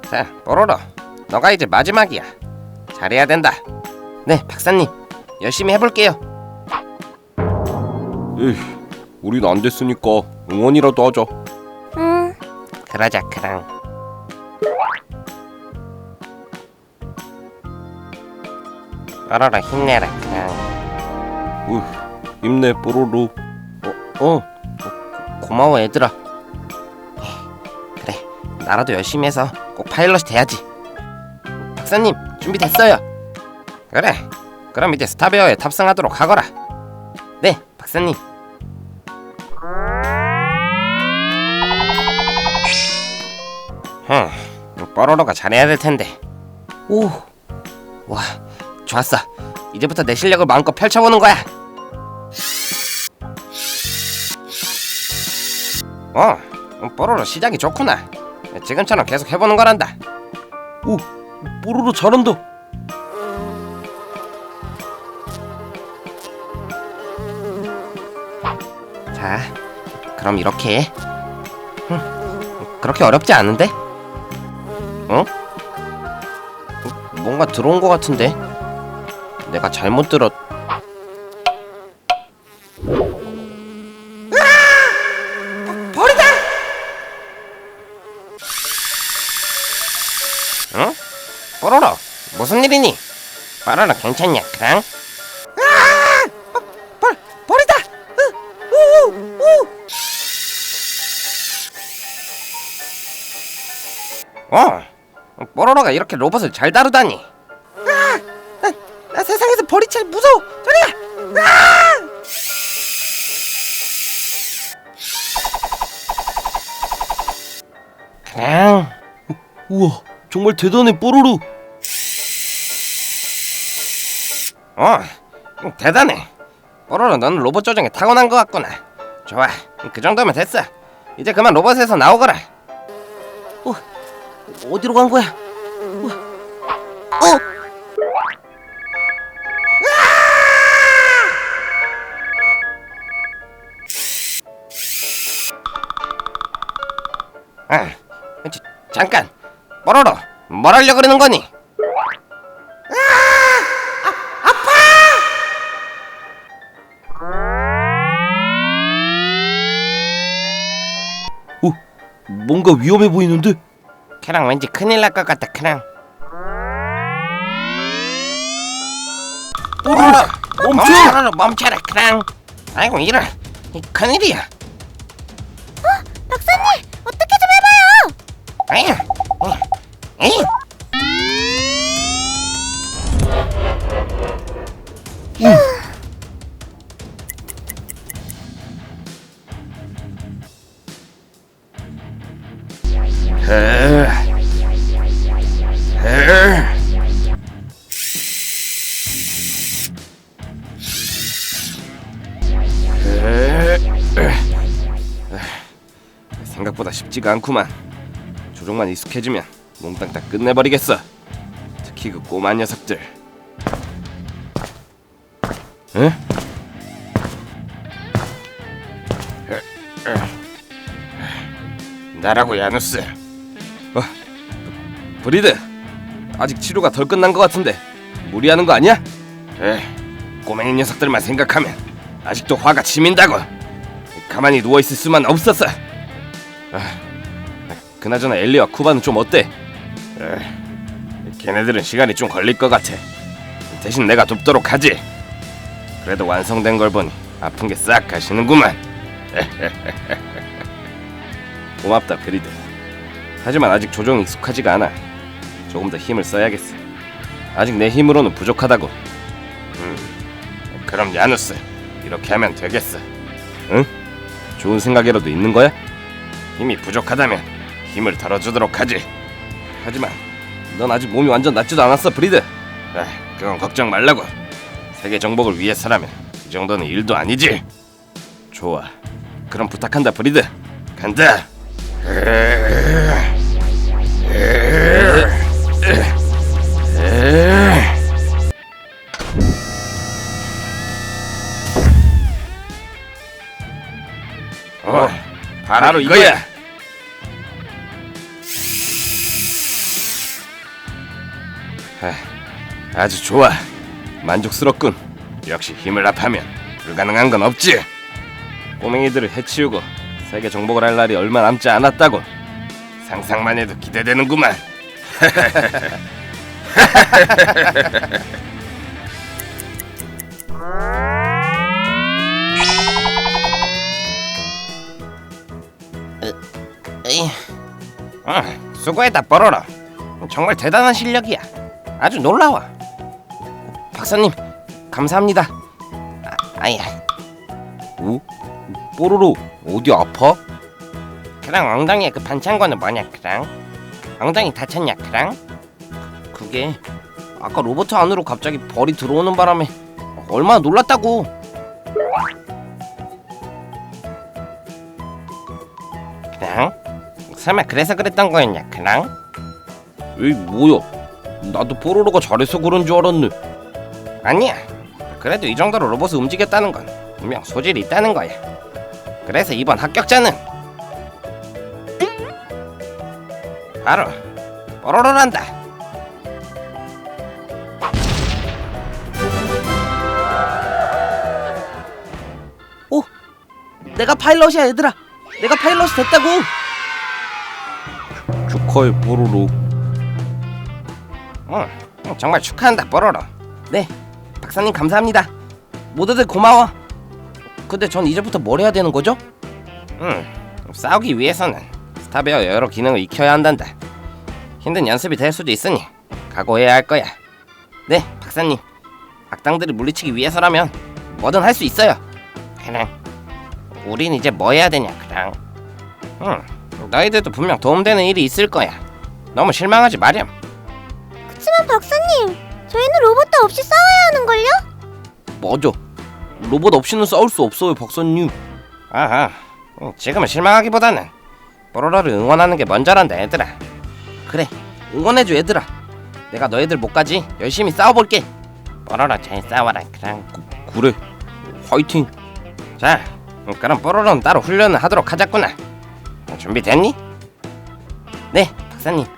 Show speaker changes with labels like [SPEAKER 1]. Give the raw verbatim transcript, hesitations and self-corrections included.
[SPEAKER 1] 자, 뽀로로, 너가 이제 마지막이야. 잘해야 된다. 네, 박사님, 열심히 해볼게요.
[SPEAKER 2] 에이, 우린 안 됐으니까 응원이라도 하자.
[SPEAKER 1] 음, 그러자 크랑. 뽀로로 힘내라 크랑.
[SPEAKER 2] 으, 힘내 뽀로로.
[SPEAKER 1] 어, 어, 고마워 얘들아. 그래, 나라도 열심히 해서 꼭 파일럿이 돼야지. 박사님, 준비됐어요. 그래, 그럼 이제 스타베어에 탑승하도록 하거라. 네, 박사님. 흠, 뽀로로가 잘해야 될 텐데. 오, 와, 좋았어. 이제부터 내 실력을 마음껏 펼쳐보는 거야. 어, 뽀로로 시작이 좋구나. 지금처럼 계속 해보는 거란다.
[SPEAKER 2] 오, 뽀로로 잘한다.
[SPEAKER 1] 자, 그럼 이렇게 해. 흠, 그렇게 어렵지 않은데? 어? 뭔가 들어온 거 같은데? 내가 잘못 들었... 버리다! 응? 뽀로로, 무슨 일이니? 뽀로로 괜찮냐, 그랑? 아! 버, 버리다! 으, 우, 우. 어, 뽀로로가 이렇게 로봇을 잘 다루다니. 아, 나, 나 세상에서 벌이 제일 무서워. 저리가. 아! 그냥.
[SPEAKER 2] 우와, 정말 대단해 뽀로로.
[SPEAKER 1] 어, 대단해. 뽀로로, 너는 로봇 조종에 타고난 것 같구나. 좋아, 그 정도면 됐어. 이제 그만 로봇에서 나오거라. 어, 어디로 간 거야? 어, 어. 아, 자, 잠깐, 뽀로로, 뭘 하려 그러는 거니?
[SPEAKER 2] 오, 뭔가 위험해 보이는데?
[SPEAKER 1] 걔랑 왠지 큰일 날 것 같다, 크랑.
[SPEAKER 2] 뽀로로, 멈춰!
[SPEAKER 1] 멈춰라, 멈춰라, 크랑. 아이고, 이런, 이 큰일이야.
[SPEAKER 3] 박사님, 어떻게 좀 해봐요.
[SPEAKER 1] 에이, 에이,
[SPEAKER 2] 생각보다 쉽지가 않구만. 조종만 익숙해지면 몽땅 다 끝내버리겠어. 특히 그 꼬마 녀석들. 에?
[SPEAKER 1] 나라고 야누스.
[SPEAKER 2] 어, 브리드, 아직 치료가 덜 끝난 것 같은데 무리하는 거 아니야?
[SPEAKER 1] 에, 꼬맹이 녀석들만 생각하면 아직도 화가 치민다고.
[SPEAKER 2] 가만히 누워 있을 수만 없었어. 아, 그나저나 엘리와 쿠바는 좀 어때?
[SPEAKER 1] 에, 걔네들은 시간이 좀 걸릴 것 같아. 대신 내가 돕도록 하지. 그래도 완성된 걸 보니 아픈 게 싹 가시는구만.
[SPEAKER 2] 고맙다 브리드. 하지만 아직 조종이 익숙하지가 않아. 조금 더 힘을 써야겠어. 아직 내 힘으로는 부족하다고.
[SPEAKER 1] 음, 그럼 야누스, 이렇게 하면 되겠어.
[SPEAKER 2] 응? 좋은 생각이라도 있는 거야?
[SPEAKER 1] 힘이 부족하다면 힘을 덜어주도록 하지.
[SPEAKER 2] 하지만 넌 아직 몸이 완전 낫지도 않았어 브리드.
[SPEAKER 1] 아, 그건 걱정 말라고. 세계 정복을 위해서라면 이 정도는 일도 아니지.
[SPEAKER 2] 좋아, 그럼 부탁한다 브리드.
[SPEAKER 1] 간다. 어, 바로 이거야.
[SPEAKER 2] 하, 아주 좋아. 만족스럽군. 역시 힘을 합하면 불가능한 건 없지. 꼬맹이들을 해치우고 세계 정복을 할 날이 얼마 남지 않았다고. 상상만 해도 기대되는구만.
[SPEAKER 1] 에이, 어, 수고했다 뽀로로. 정말 대단한 실력이야. 아주 놀라워. 박사님 감사합니다. 아, 아야.
[SPEAKER 2] 오? 뽀로로 어디 아파?
[SPEAKER 1] 그랑 엉덩이에 그 반창고는 뭐냐 그랑? 엉덩이 다쳤냐 그랑? 그게 아까 로봇 안으로 갑자기 벌이 들어오는 바람에 얼마나 놀랐다고. 그랑? 설마 그래서 그랬던 거였냐 그랑?
[SPEAKER 2] 에이 뭐야? 나도 뽀로로가 잘해서 그런 줄 알았네.
[SPEAKER 1] 아니야. 그래도 이 정도로 로봇을 움직였다는 건 분명 소질이 있다는 거야. 그래서 이번 합격자는 바로 뽀로로란다. 오, 내가 파일럿이야 얘들아. 내가 파일럿이 됐다고.
[SPEAKER 2] 축하해 뽀로로.
[SPEAKER 1] 응, 응, 정말 축하한다 뽀로로. 네, 박사님 감사합니다. 모두들 고마워. 근데 전 이제부터 뭘 해야 되는 거죠? 음, 싸우기 위해서는 스타베어 여러 기능을 익혀야 한단다. 힘든 연습이 될 수도 있으니 각오해야 할 거야. 네, 박사님. 악당들을 물리치기 위해서라면 뭐든 할 수 있어요. 그냥 우린 이제 뭐 해야 되냐 그냥. 응, 너희들도 분명 도움되는 일이 있을 거야. 너무 실망하지 마렴.
[SPEAKER 3] 그치만 박사님, 저희는 로봇도 없이 싸워야 하는걸요?
[SPEAKER 2] 맞아. 로봇 없이는 싸울 수 없어요 박사님.
[SPEAKER 1] 아하, 응, 지금은 실망하기보다는 뽀로로를 응원하는 게 먼저란다 얘들아. 그래, 응원해줘 얘들아. 내가 너희들 못까지 열심히 싸워볼게. 뽀로로 잘 싸워라 그냥.
[SPEAKER 2] 그래, 화이팅.
[SPEAKER 1] 자, 그럼 뽀로로는 따로 훈련을 하도록 하자꾸나. 준비됐니? 네, 박사님.